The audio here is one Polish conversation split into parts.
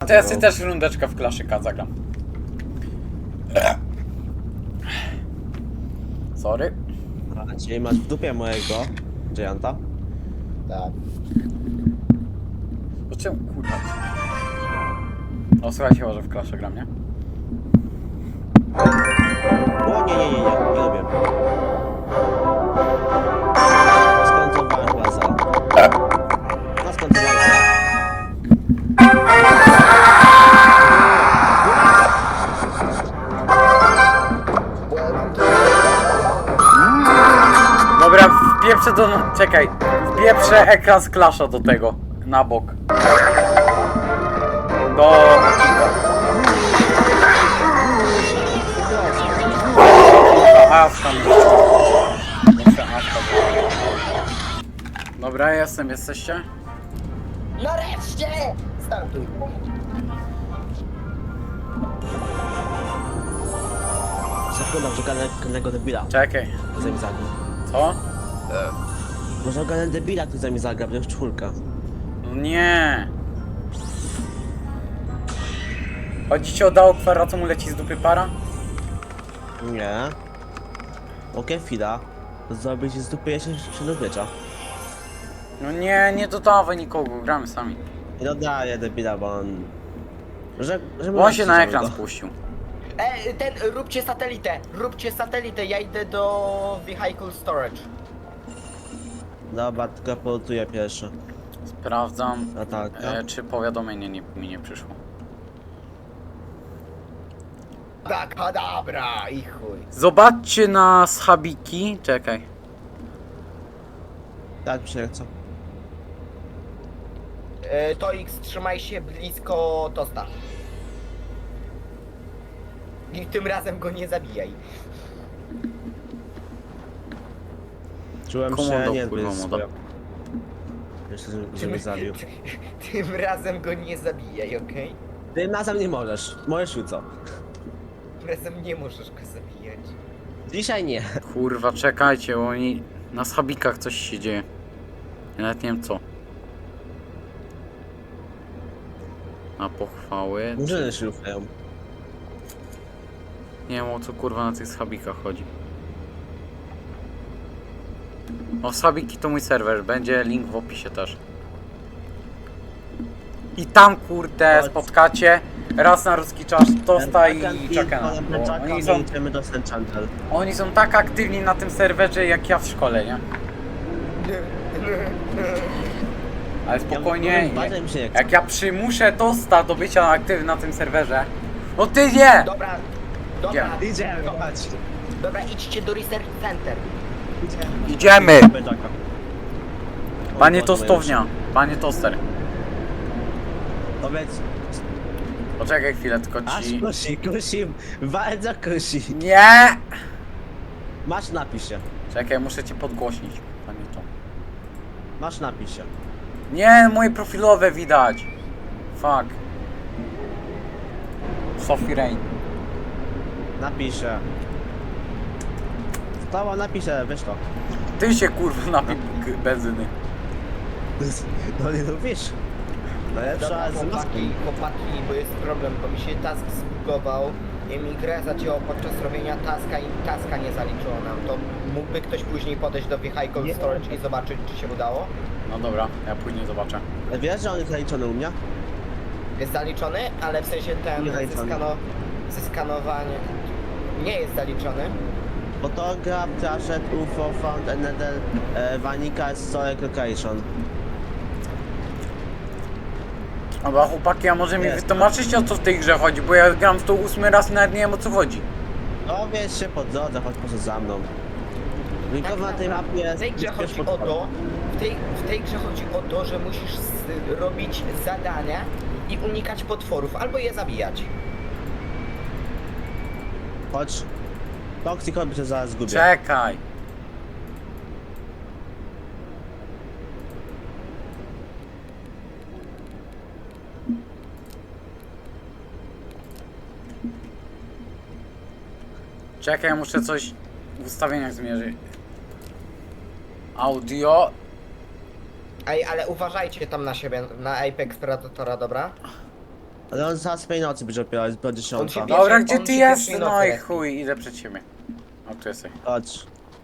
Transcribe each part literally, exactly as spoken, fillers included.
to ja sobie też rundeczkę w klaszyka zagram. Sorry. A czyli masz w dupie mojego Gianta? Tak. O czym kurwa? O słuchajcie, może w klaszę gram, nie? O nie, nie, nie, nie, nie lubię. Skończowałem chyba za. No skończowałem za. Dobra, wpieprzę do... czekaj. Wpieprzę ekran z klasza do tego. Na bok. Do... Aska. Dobra, jestem, jesteście? Nareszcie! Startuj. Sekunda, że kolejnego debila. Czekaj. Który mi zagra. Co? Może ogarnę debila, który mi zagra, bo już czwórka. No nie. Chodzi ci o Dao Kwara, co mu leci z dupy para? Nie. Okej, chwila. Zrobić z dupy jeszcze średniowiecza. No nie, nie dodawaj nikogo, gramy sami. I dodaję debila, bo on... Że, że Bo on się na go. ekran spuścił. E, ten, róbcie satelitę, róbcie satelitę, ja idę do Vehicle Storage. Dobra, tylko polutuję pierwszy. Sprawdzam, A tak, no. e, czy powiadomienie nie, mi nie przyszło. Tak, dobra, i chuj. Zobaczcie na schabiki. Czekaj. Tak, mi się chce. E, to X, trzymaj się blisko tosta. I tym razem go nie zabijaj. Czułem Komodo, się nie kurwa, moda. Jeszcze, że mnie zabił. Tym razem go nie zabijaj, okej? Tym razem nie możesz. Możesz jutro. Tym razem nie możesz go zabijać. Dzisiaj nie. Kurwa, czekajcie, bo oni... Na schabikach coś się dzieje. Ja nawet nie wiem co. Na pochwały. Murzyny się ruchają. Nie wiem o co kurwa na tych schabikach chodzi. O, schabiki to mój serwer, będzie link w opisie też. I tam kurde Chodź. spotkacie raz na ruski czas Tosta i Chakena. Bo Oni są, Idziemy do Saint Chandel. oni są tak aktywni na tym serwerze jak ja w szkole, nie? Ale spokojnie, Bardzo mi się nie chce. jak ja przymuszę Tosta do bycia aktywnym na tym serwerze. No ty nie! Dobra, dobra, Idziemy, chodź. dobra, idźcie do Research Center. Idziemy! Bedaka. Panie Tostownia, panie Toster. Powiedz. Poczekaj chwilę, tylko Aż ci... kusi, kusi, bardzo kusi. Nie! Masz napisz się. Czekaj, muszę cię podgłośnić, panie to. Masz napisz się. Nie, moje profilowe widać. Fuck. Sophie Rain. Napiszę. Stała napiszę, wiesz to. Ty się kurwa napij g- benzyny. No nie lubisz. Najlepsza Dobra, z maski. chłopaki, chłopaki, bo jest problem, bo mi się task zbugował i mi grę zacięło podczas robienia taska i taska nie zaliczyło nam. To mógłby ktoś później podejść do Vehicle Nie. Storage i zobaczyć, czy się udało? No dobra, ja później zobaczę. Wiesz, że on jest zaliczony u mnie? Jest zaliczony, ale w sensie ten Nie zaliczony. zeskano, zeskanowanie nie jest zaliczony. Photograph, trashed, U F O, found another e, Vanica storage location. Dobra chłopaki, a może mi Jest. wytłumaczycie o co w tej grze chodzi, bo ja gram w to ósmy raz i nawet nie wiem o co chodzi. No wiesz się po drodze, chodź proszę za mną. Tylko na tej mapie W jest... tej grze jest chodzi o potwór. to, w tej, w tej grze chodzi o to, że musisz z, robić zadania i unikać potworów, albo je zabijać. Chodź. Toxic by się zaraz zgubię. Czekaj. Czekaj, muszę coś w ustawieniach zmierzyć. Audio. Ej, ale uważajcie tam na siebie, na Apex Predatora, dobra? Ale on zaraz tej nocy będzie opierał, po dziesiąta. On się Dobra, Pierwszy- gdzie on ty się jesteś? pierwszej No nocy i respi. chuj, idę przed ciebie. O, tu jesteś. Chodź.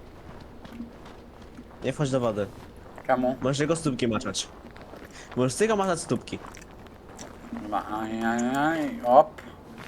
Nie wchodź do wody. Kamu? Możesz jego stópki maczać. Możesz z tego maczać stópki. Chyba, aj, aj, aj, op.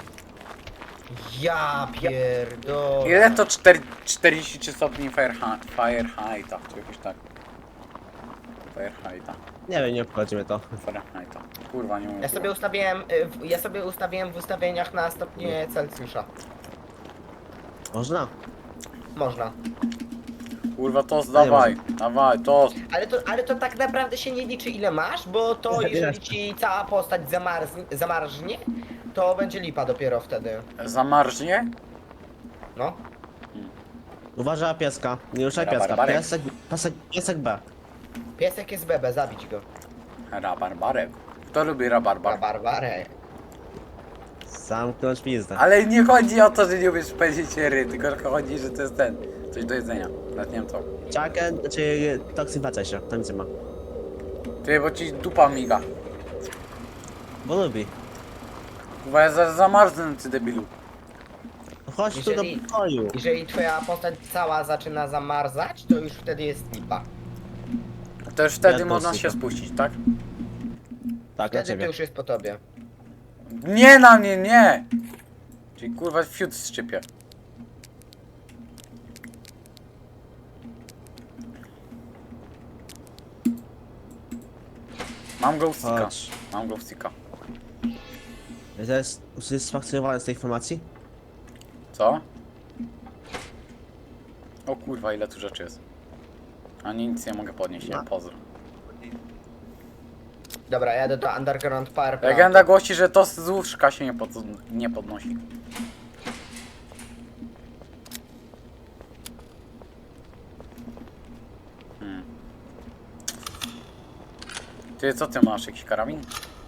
Ja pierdolę. Ile to cztery, czterdzieści trzy stopni Fahrenheit- Fahrenheita, czy jakoś tak? Fahrenheita, Nie wiem, nie obchodzi mnie to. Fahrenheita. Kurwa, nie mówię. Ja sobie ustawiłem, y, w- ja sobie ustawiłem w ustawieniach na stopnie Celsjusza. Można? Można. Kurwa, tost, dawaj, dawaj, tost. Ale to, ale to tak naprawdę się nie liczy ile masz, bo to Nie, jeżeli nie. ci cała postać zamarznie, zamarznie, to będzie lipa dopiero wtedy. Zamarznie? No. Uważaj na pieska. Nie ruszaj Dobra, pieska. barbarek. Piesek, piesek, piesek B. Piesek jest bebe, zabić go. Rabarbarek. Kto lubi rabarbar? Na barbarę. Zamknąć pizdę. Ale nie chodzi o to, że nie umiesz powiedzieć ry, tylko chodzi, że to jest ten, coś do jedzenia. Nawet nie wiem co. Czaken, czy toksyn wracaj się, to nic nie ma. Ty, bo ci dupa miga. Bo lubi. Kurwa, ja zaraz zamarznę, ty debilu. No chodź Jeżeli- tu do pokoju. Jeżeli twoja postać cała zaczyna zamarzać, to już wtedy jest lipa. To już wtedy Ja można dosyć. się spuścić, tak? Tak, na Wtedy to ciebie. już jest po tobie. Nie na mnie, nie! Czyli kurwa fiut szczypie. Mam glowsticka. Chodź. Mam glowsticka. To jest usatysfakcjonowany z tej informacji? Co? O kurwa, ile tu rzeczy jest. A nic nie mogę podnieść, nie? No. Pozdro. Dobra, jadę do Underground Power Plant. Legenda głosi, że to z łóżka się nie, pod, nie podnosi. Hmm. Ty, co ty masz? Jakiś karabin?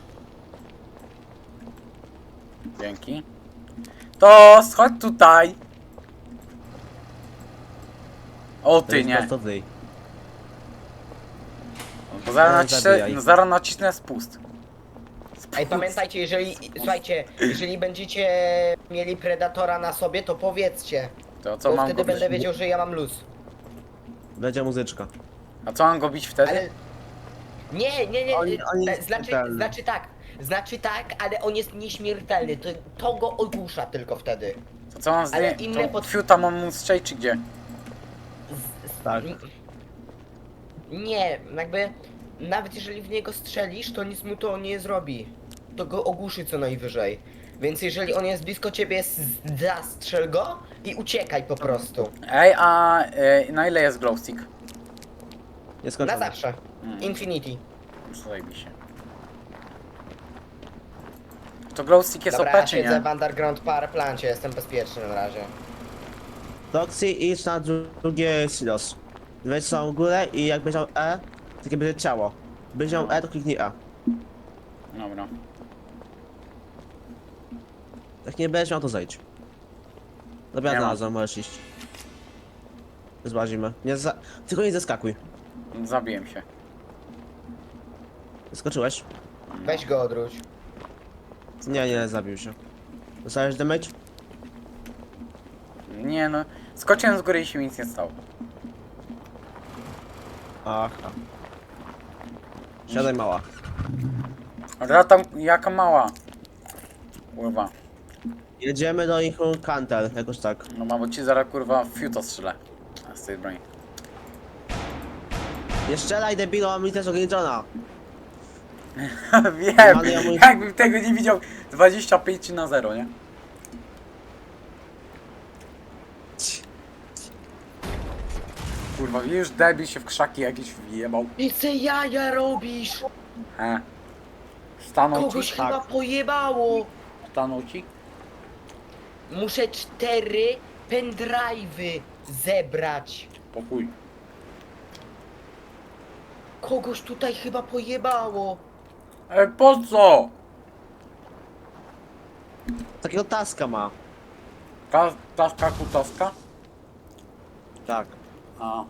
Dzięki. To schodź tutaj! O To ty jest nie! prosto w ryj. Bo zaraz No, nacisnę, zabijaj. no, zaraz nacisnę spust. Spust. Ej, pamiętajcie, jeżeli, słuchajcie, jeżeli będziecie mieli Predatora na sobie, to powiedzcie. To co Bo mam wtedy go bić? będę wiedział, że ja mam luz. Będzie muzyczka. A co mam go bić wtedy? Ale... Nie, nie, nie, Oni- oni e, jest znaczy, śmiertelny. znaczy tak, znaczy tak, ale on jest nieśmiertelny, to, to go ogłusza tylko wtedy. To co mam z ale nie... inne To pod- fiuta mam mu strzelić czy gdzie? Z, z, Tak. n- Nie, jakby, nawet jeżeli w niego strzelisz, to nic mu to nie zrobi. To go ogłuszy co najwyżej. Więc jeżeli on jest blisko ciebie, s- zastrzel go i uciekaj po prostu. Ej, a e, na ile jest glowstick? Nie Na skończę. zawsze. Hmm. Infinity. Zajebiście. To glowstick jest Dobra, O P ja czy siedzę nie? w Underground Power Plancie, jestem bezpieczny na razie. Toxy, idź na dru- drugie silos. Weź całą górę i jak będzie miał E, takie będzie ciało. Będzie miał E, to kliknij E. Dobra. Jak nie będziesz miał, to zejdź. Dobra, Nie ma. znalazłem, możesz iść. Zbazimy. Nie za... Tylko nie zeskakuj. Zabiłem się. Skoczyłeś? Weź go odwróć. Nie, nie, zabił się. Dostałeś damage? Nie no. Skoczyłem z góry i się mi nic nie stało. Aha. Siadaj mała. Ale tam jaka mała. Kurwa. Jedziemy do ich kantel, jakoś tak. No mam, bo ci zaraz kurwa fiuta strzelę. A z tej broni. Nie strzelaj debilo, mi też ograniczona. Wiem, Ale ja mój- jakbym tego nie widział dwadzieścia pięć na zero, nie? Kurwa, już debil się w krzaki jakieś wjebał. I co jaja robisz? He. Stanął Kogoś ci? chyba pojebało. Stanął ci? Muszę cztery pendrive'y zebrać. Pokój. Kogoś tutaj chyba pojebało. E, po co? Takiego taska ma. Ta, taska kutaska? Tak. A.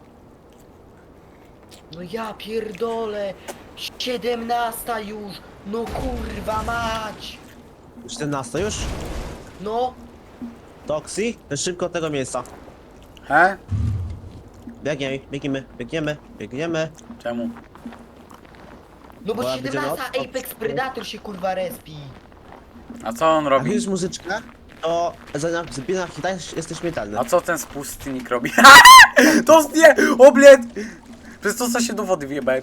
No ja pierdolę. Siedemnasta już. No kurwa mać. czternasta już? No, Toxi, szybko od tego miejsca. He? Biegniemy, biegniemy, biegniemy, biegniemy. Czemu? no bo Bo będzie siedemnasta noc, to- Apex Predator się kurwa respi. A co on Jak robi? już muzyczkę, to za zbina hita jesteś śmiertelny. A co ten spustnik robi? To nie! Obled! Przez to co się do wody wjebałem.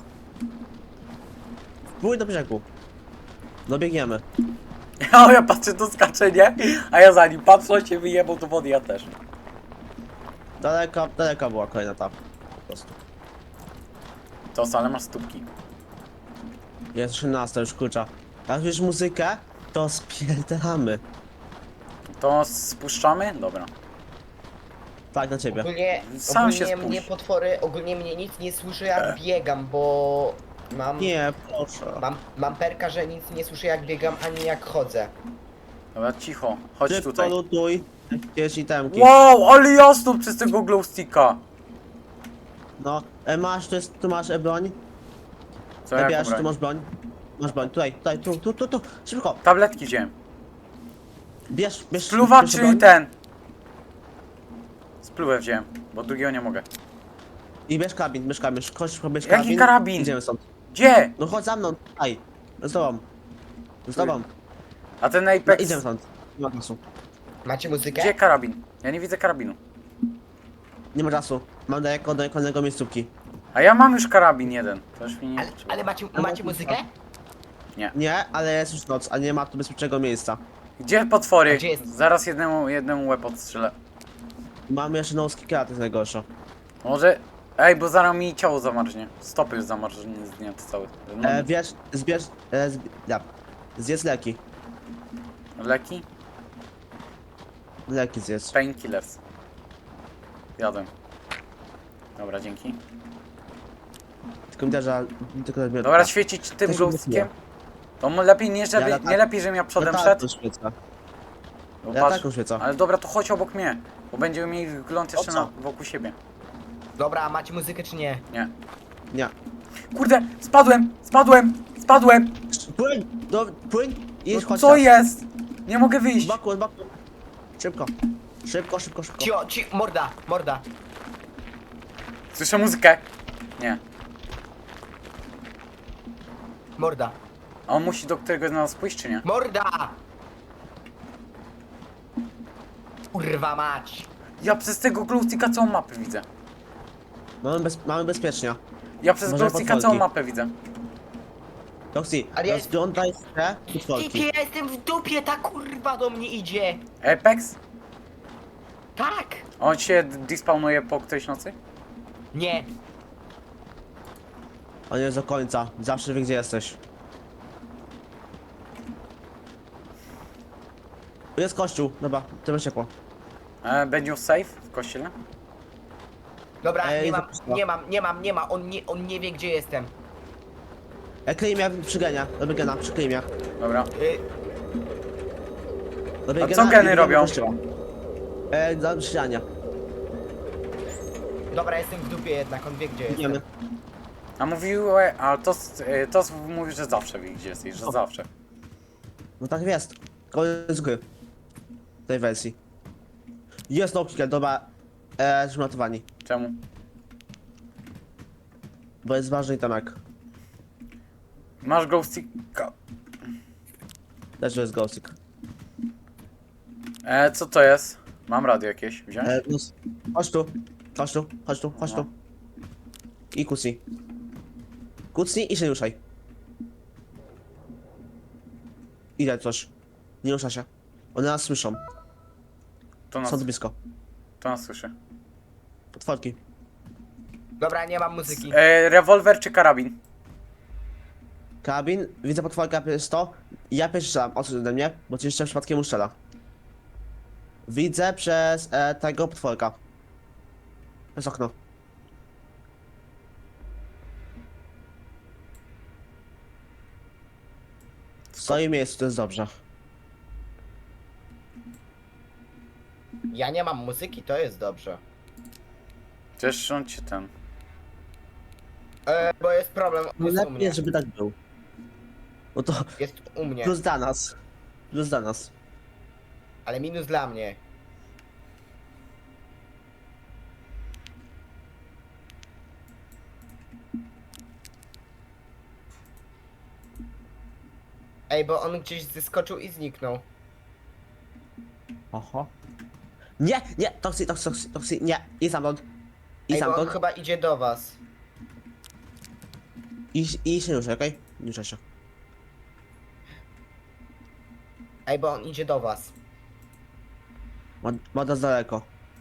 Pójdź do brzegu. No biegniemy. A ja patrzę, to skacze, nie? A ja za nim patrzę, on się wyjebał do wody, ja też. Daleko, daleko była kolejna ta. Po prostu. To ale masz stópki. Jest trzynasta już kurcza. Jak już muzykę, to spierdalamy. To spuszczamy? Dobra. Tak, na ciebie. Ogólnie, Sam się ogólnie mnie spuść. potwory, ogólnie mnie nic nie słyszy jak biegam, bo mam, Nie, proszę. mam, mam perka, że nic nie słyszę jak biegam, ani jak chodzę. Dobra, cicho. Chodź Szybko tutaj. lutuj. Jakieś itemki. Wow, ale jasno przez tego glowsticka. No, e, masz, tu, jest, tu masz e, broń. Co E, ja bierz, tu broń? masz broń. Masz broń, tutaj, tutaj, tu, tu, tu, tu. Szybko. Tabletki wziąłem. Bierz, bierz. Spluwa, bierz czyli broń. ten. Spluwę wziąłem, bo drugiego nie mogę. I bierz karabin, bierz karabin. Chodź, szybko, bierz Jaki karabin. karabin? Idziemy stąd. Gdzie? No chodź za mną, tutaj. Z tobą. Z tobą. A ten No, Apex... idziemy stąd. Nie ma czasu. Macie muzykę? Gdzie karabin? Ja nie widzę karabinu. Nie ma czasu. Mam daleko do kolejnego miejscówki. A ja mam już karabin jeden. To już mi nie Ale, potrzeba. ale macie, No, macie no, muzykę? Nie, ale jest już noc, a nie ma tu bezpiecznego miejsca. Gdzie potwory? A gdzie jest? Zaraz jednemu, jednemu łeb odstrzelę. Mamy jeszcze nocki krat, jest najgorsze. Może... Ej, bo zaraz mi ciało zamarznie. Stopy już zamarznie zdjęte całe. No, E, bierz, zbierz, e, zb, ja. Zjedz leki. leki? Leki zjedz. Painkillers. Jadłem. Dobra, dzięki. Tylko mi da, że... Tylko da, Dobra, świecić tym To się glowstickiem? To mu lepiej nie, żeby, Ja tak- nie lepiej, żebym ja przodem ja szedł? tak świecę. Bo Ja patrz, taką świecę. ale dobra, to chodź obok mnie. Bo będziemy mieli wgląd jeszcze O co? na, wokół siebie. Dobra, a macie muzykę czy nie? Nie. Nie. Kurde, spadłem, spadłem, spadłem. Płyń! Do, płyń! I No, chodź co teraz. jest? Nie mogę Z wyjść. boku, z boku. Szybko. Szybko, szybko, szybko. Cio, ci, morda, morda. Słyszę muzykę. Nie. Morda. A on musi do któregoś z nas pójść, czy nie? Morda! Kurwa mać. Ja przez tego glowsticka całą mapę widzę. Mamy, bez, mamy bezpiecznie. Ja przez Może glowsticka potworki. całą mapę widzę. Roxy, Ale ja- rozglądaj się Ty, potworki. ja jestem w dupie, ta kurwa do mnie idzie. Apex? Tak. On się despawnuje po którejś nocy? Nie. On jest do końca. Zawsze wie, gdzie jesteś. Jest kościół. Dobra, to będzie ciepło. E, będzie safe w kościele? Dobra, Ej, nie mam, zapuszcza. nie mam, nie mam, nie ma. On nie, on nie wie gdzie jestem. E, kryj mnie przy genia. Robię gena, przykryj mnie. Dobra. Y, Robię A gena co i geny biegniemy robią? do kościoła. E, za ścianie. dobra, jestem w dupie jednak, on wie gdzie jestem. Biegniemy. A mówił, e, a to, e, to mówi, że zawsze wie gdzie jesteś, że zawsze. No tak jest. Koniec gry. Tej wersji. Jest no kill, dobra. E, zmatowani. Czemu? Bo jest ważny itemek. Masz glowsticka. Też jest ghostik. E, co to jest? Mam radio jakieś, wziąć? E, plus. Chodź tu. Chodź tu, chodź tu, chodź No. tu. I kucnij. Kucnij i się nie ruszaj. Idę coś. Nie rusza się. One nas słyszą. To nas, Są tu blisko. to nas słyszy. Potworki. Dobra, nie mam muzyki. E, rewolwer czy karabin? Karabin, widzę potworka jest to. Ja pierwszy strzelam, odsuń ode mnie, bo ci jeszcze przypadkiem uszczela. Widzę przez e, tego potworka. Przez okno. W swoim miejscu to jest dobrze. Ja nie mam muzyki, to jest dobrze. Przecież on cię ten... E, bo jest problem, No jest u lepiej mnie. jest, żeby tak był. Bo to Jest u mnie. plus dla nas. plus dla nas. Ale minus dla mnie. Ej, bo on gdzieś zeskoczył i zniknął. Oho. Nie, nie, toksy, toksy, toksy, toksy, nie, i stamtąd. I Ej, bo on stamtąd. chyba idzie do was. I, i się ruszaj, okej? Nie ruszaj się. Ej, bo on idzie do was. Ma, ma nas daleko.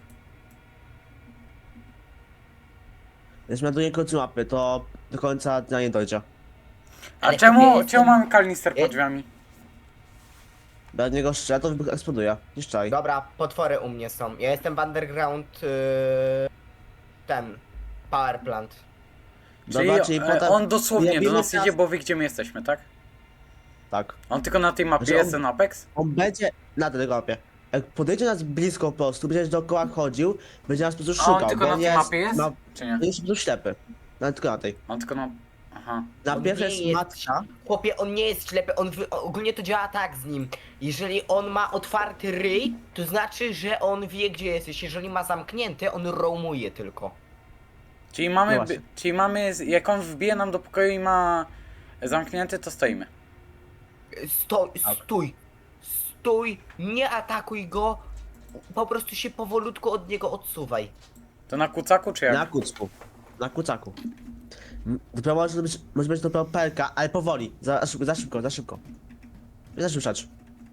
Jesteśmy na drugim końcu mapy, to do końca dnia nie dojdzie. A Ale czemu, ja czemu jestem- mamy kanister Ja- pod drzwiami? Bez niego strzelę, to wybuch eksploduje. Nie szczaj. Dobra, potwory u mnie są. Ja jestem w underground... Yy, ten... Power plant. Czyli, Dobra, czyli e, potem... on dosłownie do Jebimy nas teraz- idzie, bo wie gdzie my jesteśmy, tak? Tak. On tylko na tej mapie Że on- jest ten Apex? On będzie na tej mapie. Jak podejdzie nas blisko po prostu, będzie dookoła chodził, będzie nas po prostu A szukał, on tylko bo na on tej mapie jest? Na, Czy nie? on jest po prostu ślepy. No tylko na tej. On tylko na... Aha. Na On pierwszej nie jest jest- matka. Chłopie, on nie jest ślepy, on wy... ogólnie to działa tak z nim. Jeżeli on ma otwarty ryj, to znaczy, że on wie gdzie jesteś. Jeżeli ma zamknięty, on roamuje tylko. Czyli No mamy, właśnie. by- czyli mamy, z- jak on wbije nam do pokoju i ma zamknięty, to stoimy. Sto... Tak. Stój! Stój! Nie atakuj go! Po prostu się powolutku od niego odsuwaj. To na kucaku czy jak? Na kucku. Na kucaku. M- Dopiero może być, może być dopiero pelka, ale powoli. Za szybko, za szybko, za szybko. Nie zaszybszać.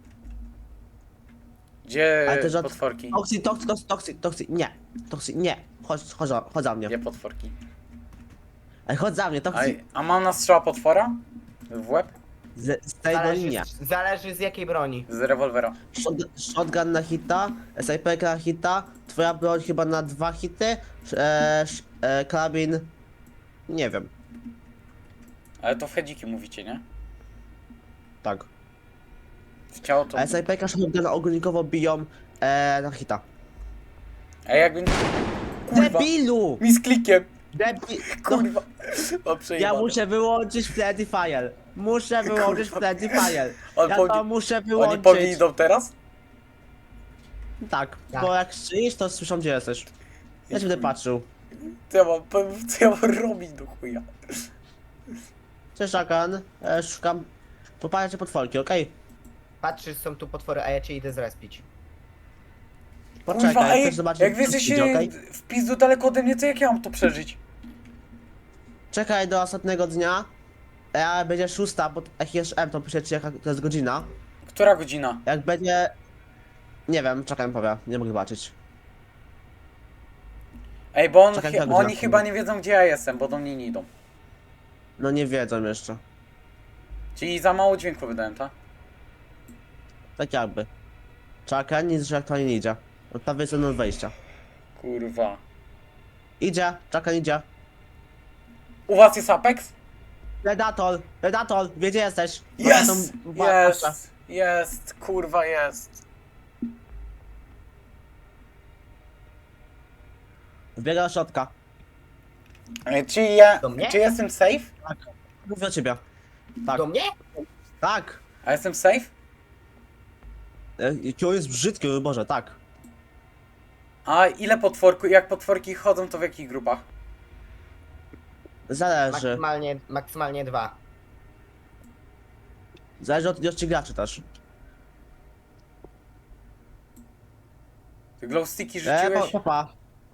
Gdzie Ale też od- potworki? Toksy, toksy, toksy, toksy, toksy, nie. Toksy, nie. Chodź, chodź, za- chodź za mnie. Gdzie potworki? Ej, chodź za mnie, A, toksy. a mam na strzała potwora? W łeb? Z, z tej Zależy, linie. z, zależy z jakiej broni. Z rewolwera. Shot, shotgun na hita, snajperka na hita, twoja broń chyba na dwa hity, e, sz- e, karabin... Nie wiem. Ale to w hedziki mówicie, nie? Tak. W ciało to... A snajperka, shotgun ogólnikowo biją e, na hita. Ej, jakby... Kurwa! Debilu! Mi z klikiem! Debil... Kurwa! O, Ja przejebane. muszę wyłączyć Friendly Fire. Muszę wyłączyć Kurwa. Friendly Fire. On Ja powinien- to muszę Oni wyłączyć. po mnie idą teraz? Tak, Tak. bo jak strzelisz, to słyszą gdzie jesteś. Ja ci będę patrzył. Co ja mam, co ja mam robić do chuja? Cześć, Akan. E, szukam... Popatrzcie potworki, okej? Patrzysz, są tu potwory, a ja cię idę zrespić. Poczekaj, Kurwa, ej, chcesz zobaczyć, jak wy co jesteście idzie, okej? w pizdu daleko ode mnie, to jak ja mam to przeżyć? Czekaj do ostatniego dnia. Jak będzie szósta, bo jak jest M, to piszecie jaka to jest godzina. Która godzina? Jak będzie... Nie wiem, czekaj, mi powie. Nie mogę zobaczyć. Ej, bo on, Czekaj, chy- która godzina? oni chyba nie wiedzą gdzie ja jestem, bo do mnie nie idą. No nie wiedzą jeszcze. Czyli za mało dźwięku wydałem, tak? Tak jakby. Czekaj, nic, że aktualnie nie idzie. Od prawej strony od wejścia. Kurwa. Idzie, czekaj, idzie. U was jest Apex? Predator, Predator, wie gdzie jesteś? Jest! Tam- ba- Jest! Jest! Kurwa jest! Wbiega do środka. Ej, czy ja... Do mnie? Czy jestem safe? Mówię o ciebie. Tak, Do mnie? tak. A jestem safe? E, Jaki on jest brzydki, o Boże, tak. A ile potworku, jak potworki chodzą, to w jakich grupach? Zależy. Maksymalnie, maksymalnie dwa. Zależy od ilości graczy też. Ty glowsticki E, pa, rzuciłeś? pa, pa.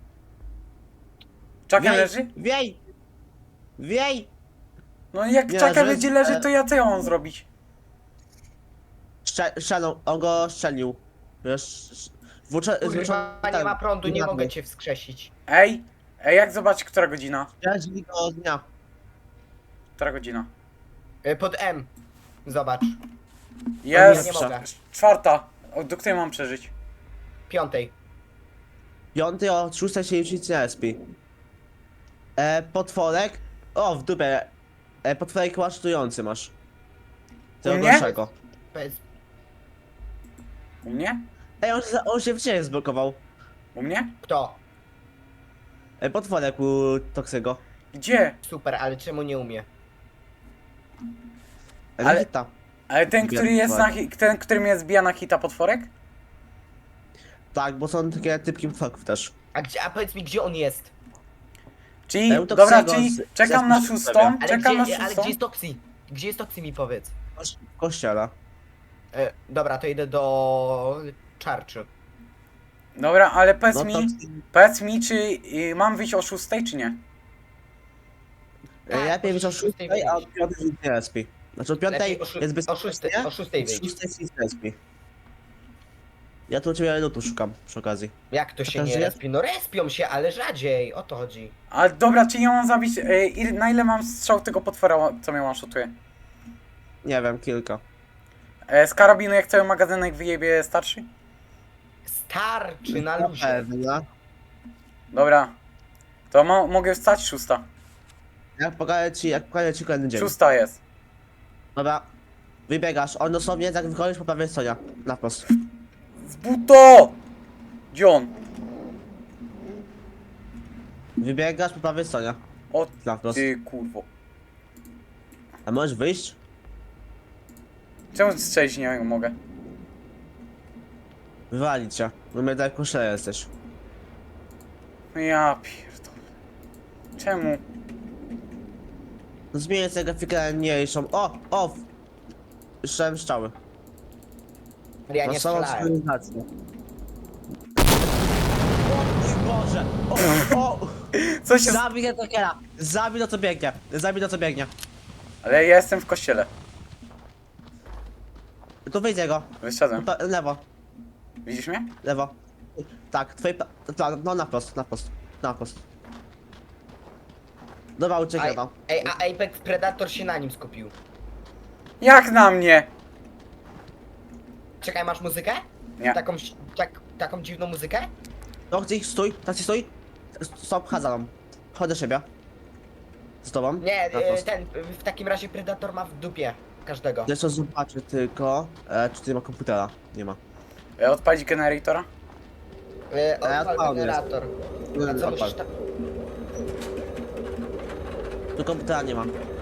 Czaka Wiej, leży? Wiej! Wiej! No jak Nie, czaka że- będzie leży, e- to ja co ja mam zrobić? Strze- Strzelą, on go strzelił. Wiesz, włócze... Kurwa, nie ma prądu, nie mogę cię wskrzesić. Ej! Ej, jak zobacz, która godzina? Strzelili go od dnia. Która godzina? Y, Pod M. Zobacz. Jest! nie mogę. Czwarta. O, do której mam przeżyć? Piątej. Piąty o szóstej się nic nie respi. E, potworek. O, w dupę. E, potworek łasztujący masz. Tego U mnie? gorszego. Bez... U mnie? Ej, on, się- on się w ciebie zblokował. U mnie? Kto? E, potworek u Toksego. Gdzie? Super, ale czemu nie umie? E, Ale- Ale... Ale ten, który jest na, hi- ten, który mnie zbija na hita potworek? Tak, bo są takie typki potworków też. A, gdzie, a powiedz mi, gdzie on jest? Czyli, Ja bym to dobra, Xego czyli z- czekam z- na z- szóstą, Ale, czekam na gdzie, ale szóstą. gdzie jest Toxi? Gdzie jest Toxi mi powiedz? W kościele. E, dobra, to idę do Czarczy. Dobra, ale powiedz No mi, to... powiedz mi, czy y, mam wyjść o szóstej, czy nie? Tak, Lepiej o być o szóstej szóstej, a o wyjść. piątej jest nie respi. Znaczy o piątej Lepiej o szó- jest o bezpiecznie, szóstej- o szóstej o wyjść. szóstej jest respi. Ja tu u ciebie lutu szukam przy okazji. Jak to się Taka nie żyje? respią? No respią się, ale rzadziej, o to chodzi. A dobra, czy ja mam zabić, y, ile- na ile mam strzał tego potwora, co mnie one-shotuje? Nie wiem, kilka. E, z karabinu jak cały magazynek wyjebie starszy? Starczy na Na luzie. pewno. Dobra. To mo mogę wstać szósta. Jak pokażę ci, jak pokażę ci kolejny dzień. Szósta jest. Dobra. Wybiegasz, on dosłownie jak wychodzisz po prawej stronie. Na wprost. Z buto! Gdzie on? Wybiegasz po prawej stronie. O Na wprost. ty kurwo. A możesz wyjść? Czemu strzelić nie mogę? Wywalić cię. Bo my tak koszele jesteś. No ja pierdolę. Czemu? No zmienię sobie grafikę mniejszą. O! O! Słyszałem strzały. Ja Na nie samą strzelałem. synchronizację. O mój Boże! O! O! Co się... z- Zabij tego kiera! Zabij to co biegnie! Zabij to co biegnie! Ale ja jestem w kościele. Tu wyjdzie go. Wyszedłem. Pa- lewo, Widzisz mnie? lewo. Tak, twoi pa- ta- no na prost, na prost, na prost. Dobra, uciekaj Ej, no. ej, a Apex Predator się na nim skupił. Jak na mnie? Czekaj, masz muzykę? Nie. Taką, tak, taką dziwną muzykę? No chcę ich, stój, tak ci stój. Stop, chodź za mną. Chodź do siebie. Z tobą. Nie, Na e, prost. ten, w takim razie Predator ma w dupie każdego. Jeszcze zobaczę tylko, e, czy tutaj ma komputera. Nie ma. E, Odpalić generatora? E, ja Odpal odpalę. generator. A co Odpal. musisz tam... Tu komputera nie ma.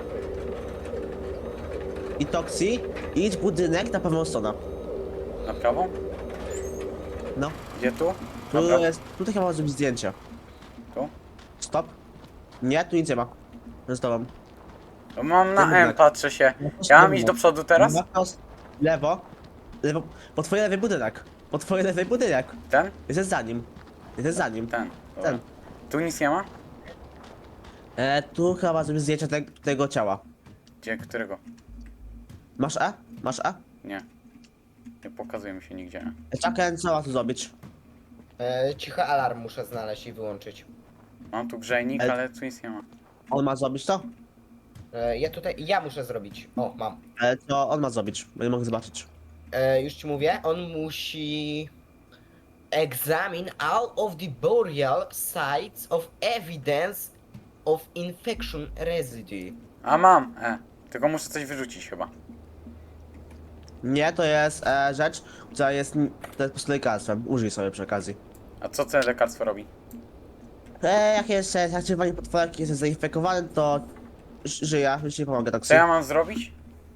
I Toxi, idź budynek na pewną stronę. Na prawą? No. Gdzie tu? Tu Dobra. jest, tutaj chyba zrobić zdjęcie. Tu? Stop. Nie, tu nic nie ma. Z tobą. To mam na Budynek. M, patrzę się. Ja mam iść do przodu teraz? Na prost, lewo, lewo, po twojej lewej budynek. Po twojej lewej budynek. Ten? Jesteś za nim. Jesteś za nim. Ten. Dobra. Ten. Tu nic nie ma? E, tu chyba zrobić zdjęcie te, tego ciała. Gdzie? Którego? Masz E? Masz E? Nie. Nie pokazuje mi się nigdzie. Czekaj, co ma tu zrobić? E, cichy alarm muszę znaleźć i wyłączyć. Mam tu grzejnik, Ale- ale tu nic nie ma. On ma zrobić to? E, ja tutaj, ja muszę zrobić. O, mam. Ale to on ma zrobić, bo nie mogę zobaczyć. E, już ci mówię, on musi... Examine all of the burial sites of evidence of infection residue. A mam! E. Tylko muszę coś wyrzucić chyba. Nie, to jest e, rzecz, która jest, to jest po prostu lekarstwem. Użyj sobie przy okazji. A co to lekarstwo robi? E, jak jest e, zaktywowanie potworek, jest zainfekowany, to ż- żyje, już nie pomogę tak Co ja mam zrobić?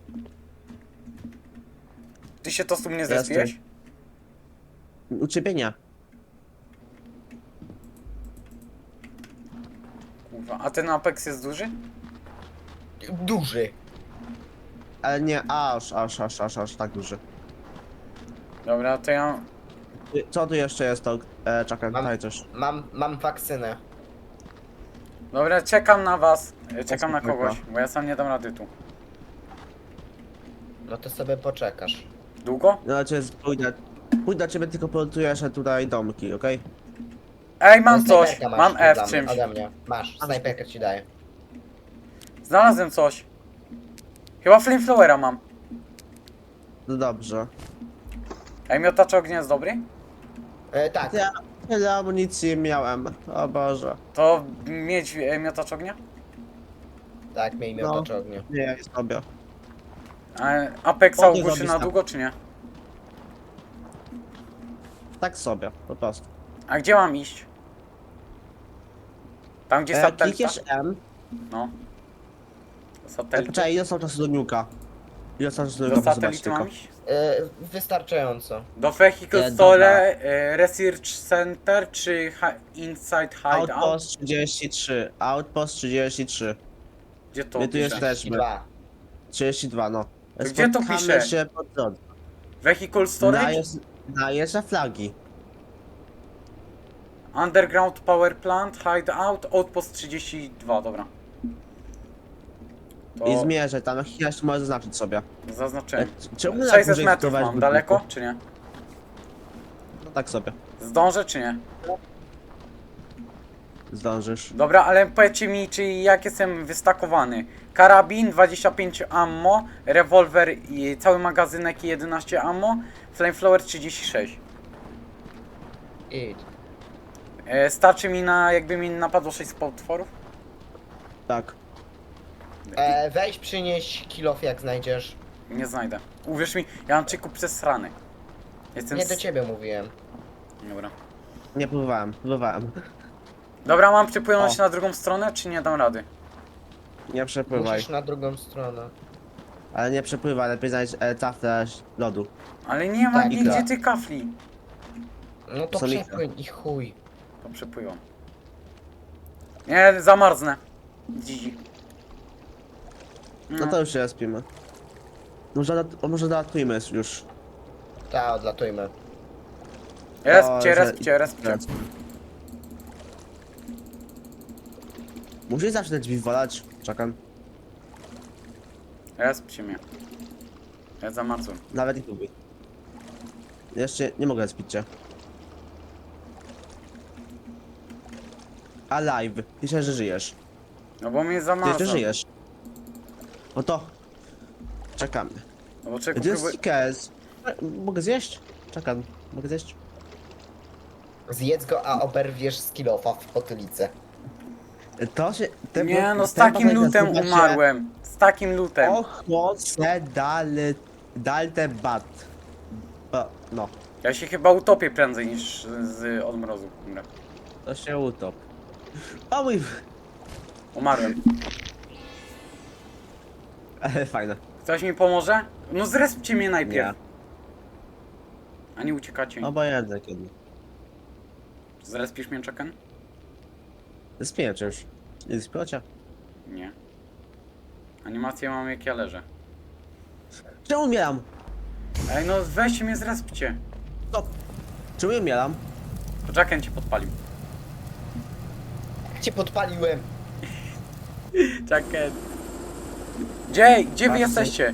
Ty się to z tu mnie Teraz zespiłeś? U ciebie nie. Kurwa. A ten Apex jest duży? Duży. Ale nie, aż, aż, aż, aż, aż tak duży. Dobra, to ja... Y, Co tu jeszcze jest to? E, czekaj, Mam- daj coś. Mam, mam wakcynę. Dobra, czekam na was. E, Czekam na spokojnie. kogoś, bo ja sam nie dam rady tu. No to sobie poczekasz. Długo? No, znaczy, pójdę, pójdę do ciebie, tylko polutujesz tutaj domki, okej? Ej, mam No, coś! snajperkę masz Mam F ode mnie- czymś. Ode mnie. Masz, snajperkę ci daję. Znalazłem coś. Chyba flamethrower'a mam. No dobrze. Ej, miotacz ognia jest dobry? E, tak, Ja tyle amunicji miałem, o Boże. To mieć e, miotacz ognia? tak, miej No. miotacz ognia. Nie, jest sobie. A Apexa Potem ogłuszy zrobisz na tak. długo, czy nie? Tak sobie, po prostu. A gdzie mam iść? Tam gdzie E, satelita? klikniesz M, No. e, Satelita. poczekaj, ile są czasu do niuka? Ile czasu Do tylko zobaczyć satelitu mam tylko. iść? E, wystarczająco. Do Vehicle E, Store, e, Research Center czy hi Inside Hideout? Outpost trzydzieści trzy. Outpost trzydzieści trzy. Gdzie to My tu pisze? jesteśmy. dwa. trzydzieści dwa, no. gdzie to Spotkamy pisze? się pod drodze. Vehicle Na, Storage? jest, na jeszcze flagi. Underground Power Plant, Hideout, Outpost trzydzieści dwa, dobra. To I zmierzę tam, jak jeszcze możesz zaznaczyć sobie. zaznaczyłem. E, Czemu na sześćset dłużej metrów wpływać mam, w daleko budynku? czy nie? No tak sobie. Zdążę czy nie? Zdążysz. Dobra, ale powiedzcie mi, czy jak jestem wystakowany. Karabin, dwadzieścia pięć ammo, rewolwer i cały magazynek i jedenaście ammo, flamethrower trzydzieści sześć. Idź. E, starczy mi na, jakby mi napadło sześć potworów? Tak. E, weź przynieś kilof jak znajdziesz. Nie znajdę. Uwierz mi, ja mam czyku przez rany. Jestem Nie s- do ciebie mówiłem. Dobra. Nie próbowałem, próbowałem. Dobra, mam przepłynąć O. na drugą stronę, czy nie dam rady? Nie przepływaj. Musisz na drugą stronę. Ale nie przepływaj, lepiej znaleźć e, taflę lodu. Ale nie ma Tak, nigdzie tak. tych kafli. No to Samika. przepłyń i chuj. To przepływam. Nie, zamarznę. Dzidzi. No to już się respimy. Może, dat- może dodatujmy już. Ta, odlatujmy. Respcie, O, że- respcie, respcie. Musisz zawsze te drzwi wolać. Czekam. Respcie mnie. Ja zamarzłem. Nawet i próbuj. Jeszcze nie mogę respić cię. Alive. Pisze, że żyjesz. No bo mnie Ty jeszcze zamarzłem. żyjesz. No to. Czekamy. No bo czego To jest próbuję... Stickers. Mogę zjeść? Czekam. Mogę zjeść? Zjedz go, a oberwiesz z kilofa w potylicę. To się... te- Nie no, z ten takim patent lutem nazywa się umarłem. Z takim lutem. Ochłoce dale... Dalte bat. Ba, no. Ja się chyba utopię prędzej niż z odmrozu. Dobra. To się utop. O mój... Umarłem. Ale fajne. Ktoś mi pomoże? No zrespcie mnie najpierw. Nie. A nie uciekacie. Obojętne kiedy. Zrespisz mnie, Chucken? Spiję cię już. Nie spiecie? Nie. Animację mam jak ja leżę. Czemu umieram? Ej no weźcie mnie zrespcie. Stop. Czemu umieram? To Chucken cię podpalił. Jak cię podpaliłem? Chucken. Gdzie? Gdzie wy Patrzcie. jesteście?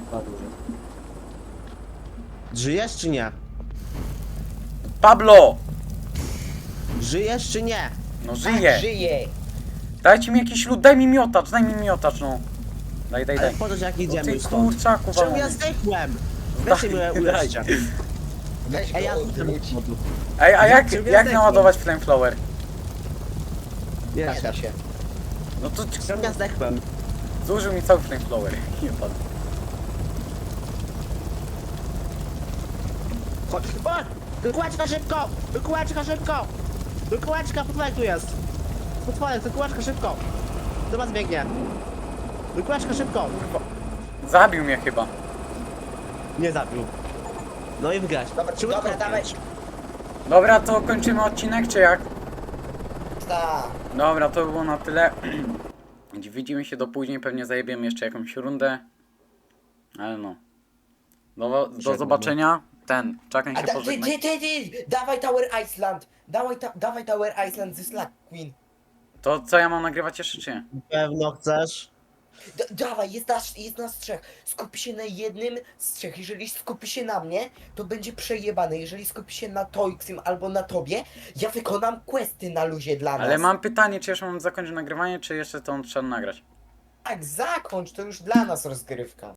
Żyjesz czy nie? Pablo! Żyjesz czy nie? No Tak, żyje. żyje. Dajcie mi jakiś lód, daj mi miotacz, daj mi miotacz, no. Daj, daj, Ale daj. po to, że jak No idziemy ty już stąd. kurczaku Czemu ja walony. zdechłem? Daj, Weźcie mnie daj. uleżcie. Weź go Ej, ja odwróć. Ej, a jak, Czemu ja jak zdechłem? naładować flamethrower? Nie, Nie da się. No to czemu ja zdechłem? zużył mi cały flamethrower. Nie padł. Chodź. O! Kółeczka szybko! Kółeczka szybko! Kółeczka, potworek tu jest! Potworek, to kółeczka szybko! Do was biegnie! Kółeczka szybko! Zabił mnie chyba. Nie zabił. No i wygrać. Dobra, Czemu dobra, to dawaj. pięć? Dobra, to kończymy odcinek, czy jak? Ta. Dobra, to było na tyle. Widzimy się do później, pewnie zajebiemy jeszcze jakąś rundę. Ale no. Do, do Żegnam. zobaczenia. Ten, Chucken A się da, ty, pożegna. ty, ty, ty, dawaj Tower Iceland. Dawaj, ta, dawaj Tower Iceland ze Slack Queen. To co ja mam nagrywać jeszcze, czy nie? Pewno chcesz? D dawaj, jest nas, jest nas trzech. Skupi się na jednym z trzech. Jeżeli skupi się na mnie, to będzie przejebane. Jeżeli skupi się na Toixim albo na tobie, ja wykonam questy na luzie dla nas. Ale mam pytanie, czy jeszcze mam zakończyć nagrywanie, czy jeszcze to trzeba nagrać? Tak, zakończ, to już dla nas rozgrywka.